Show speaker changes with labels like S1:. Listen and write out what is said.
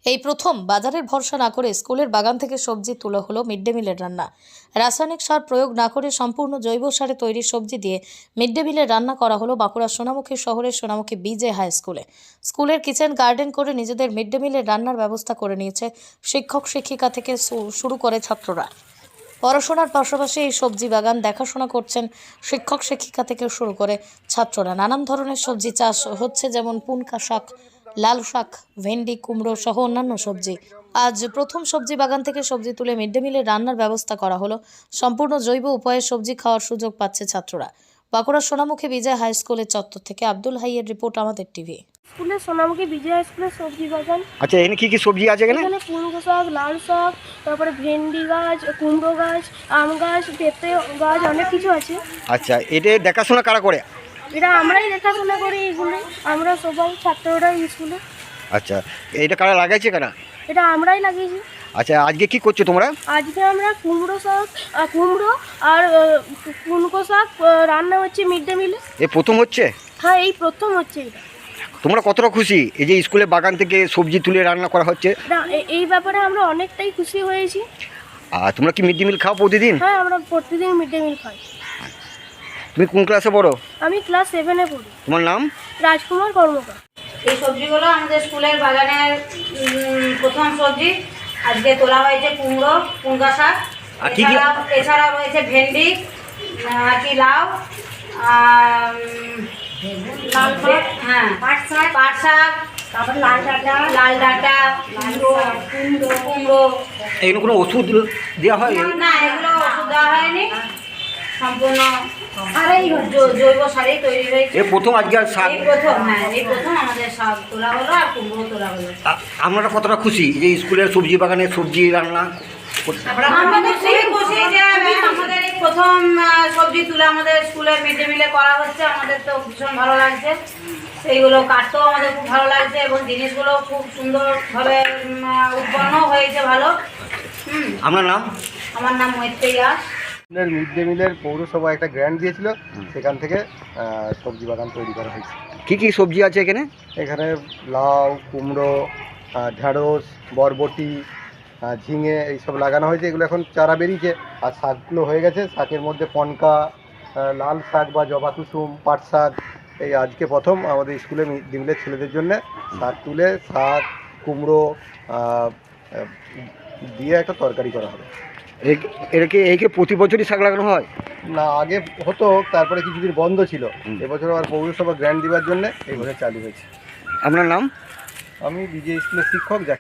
S1: এই প্রথম বাজারের ভরসা না করে স্কুলের বাগান থেকে সবজি তোলা হলো মিড ডে মিলের রান্না। রাসায়নিক সার প্রয়োগ না করে সম্পূর্ণ জৈব সারে তৈরি সবজি দিয়ে মিড ডে মিলের রান্না করা হলো বাঁকুড়া সোনামুখী শহরের সোনামুখী বিজে হাই স্কুলে। স্কুলের কিচেন গার্ডেন করে নিজেদের মিড ডে মিলের রান্নার ব্যবস্থা করে নিয়েছে শিক্ষক শিক্ষিকা থেকে শুরু করে ছাত্ররা। পড়াশোনার পাশাপাশি এই সবজি বাগান দেখাশোনা করছেন শিক্ষক শিক্ষিকা থেকে শুরু করে ছাত্ররা। নানান ধরনের সবজি চাষ হচ্ছে, যেমন পুনকা শাক, লাল শাক, ভেন্ডি, কুমড়ো সহ অন্যান্য সবজি। আজ প্রথম সবজি বাগান থেকে সবজি তুলে মিড ডে মিলের রান্নার ব্যবস্থা করা হলো। সম্পূর্ণ জৈব উপায়ে সবজি খাওয়ার সুযোগ পাচ্ছে ছাত্ররা। বাঁকুড়া সোনামুখী বিজয় হাই স্কুলের চত্বর থেকে আব্দুল হাইয়ের রিপোর্ট, আমাদের টিভি।
S2: স্কুলে সোনামুখী বিজয় স্কুলের সবজি বাগান।
S3: আচ্ছা, এখানে কি কি সবজি আছে?
S2: এখানে পুনকো শাক, লাল শাক, তারপরে ভেন্ডি গাছ, কুমড়ো গাছ, আম গাছ, পেঁপে গাছ, অনেক কিছু আছে।
S3: আচ্ছা, এটা দেখাশোনা কারা করে?
S2: এটা আমরাই দেখাশোনা করি, এগুলো আমরা সবাই ছাত্ররা স্কুলে।
S3: আচ্ছা, এটা কারা লাগাইছে কারা?
S2: এটা আমরাই লাগিয়েছি।
S3: আচ্ছা, আজকে কি করছো তোমরা?
S2: আজকে আমরা কুমড়ো আর পুনকো শাক রান্না হচ্ছে মিড ডে মিলে।
S3: প্রথম হচ্ছে?
S2: হ্যাঁ, এই প্রথম হচ্ছে এটা।
S3: তোমরা কতটা খুশি এই যে স্কুলের বাগান থেকে সবজি তুলে রান্না করা হচ্ছে?
S2: এই ব্যাপারে আমরা অনেকটাই খুশি হয়েছি।
S3: আর তোমরা কি মিড ডে মিল খাও প্রতিদিন?
S2: হ্যাঁ, আমরা প্রতিদিন মিড ডে মিল খাই।
S3: তুমি কোন ক্লাসে পড়ো?
S2: আমি ক্লাস 7-এ পড়ি।
S3: তোমার নাম?
S2: রাজকুমার কর্মকার।
S4: এই সবজিগুলো আমাদের স্কুলের বাগানের প্রথম সবজি। আজকে তোলা হয়েছে কুমড়ো, পুনকা শাক,
S3: আর কি কি?
S4: এছাড়াও রয়েছে ভেন্ডি, লাউ, হ্যাঁ, পাট শাক, তারপর লাল ডাঁটা, কুমড়ো।
S3: এখানে কোনো ওষুধ দেওয়া হয়?
S4: না, এগুলো ওষুধ দেওয়া হয়নি, সম্পূর্ণ জৈব সারেই তৈরি হয়েছে।
S3: এই প্রথম আজকে শাক?
S4: এই প্রথম আমাদের শাক তোলা হলো আর কুমড়ো তোলা হলো।
S3: আমরা কতটা খুশি যে স্কুলের সবজি বাগানে সবজি রান্না?
S4: আমাদের খুবই খুশি যে আমাদের এই প্রথম সবজি তুলে আমাদের স্কুলের মিড ডে মিলে করা হচ্ছে। আমাদের তো ভীষণ ভালো লাগছে, সেইগুলো কাটতেও আমাদের খুব ভালো লাগছে এবং জিনিসগুলো খুব সুন্দরভাবে উৎপন্ন হয়েছে ভালো।
S3: আপনার নাম?
S4: আমার নাম মৈত্রেয়া।
S5: মিড ডে মিলের পৌরসভা একটা গ্র্যান্ট দিয়েছিল, সেখান থেকে সবজি বাগান তৈরি করা হয়েছে।
S3: কি কি সবজি আছে এখানে?
S5: এখানে লাউ, কুমড়ো, ঢ্যাঁড়স, বরবটি, ঝিঙে এইসব লাগানো হয়েছে। এগুলো এখন চারা বেরিয়েছে আর শাকগুলো হয়ে গেছে। শাকের মধ্যে পনকা, লাল শাক বা জবা কুসুম, পাট শাক। এই আজকে প্রথম আমাদের স্কুলে মিড ডে মিলের ছেলেদের জন্য শাক তুলে শাক, কুমড়ো দিয়ে একটা তরকারি করা হবে।
S3: একে প্রতি বছরই শাক লাগানো হয়?
S5: না, আগে হতো, তারপরে কিছুদিন বন্ধ ছিল। এবছর আবার পৌরসভা গ্র্যান্ট দেওয়ার জন্য এই বছর চালু হয়েছে।
S3: আপনার নাম?
S5: আমি বিজে স্কুলের শিক্ষক।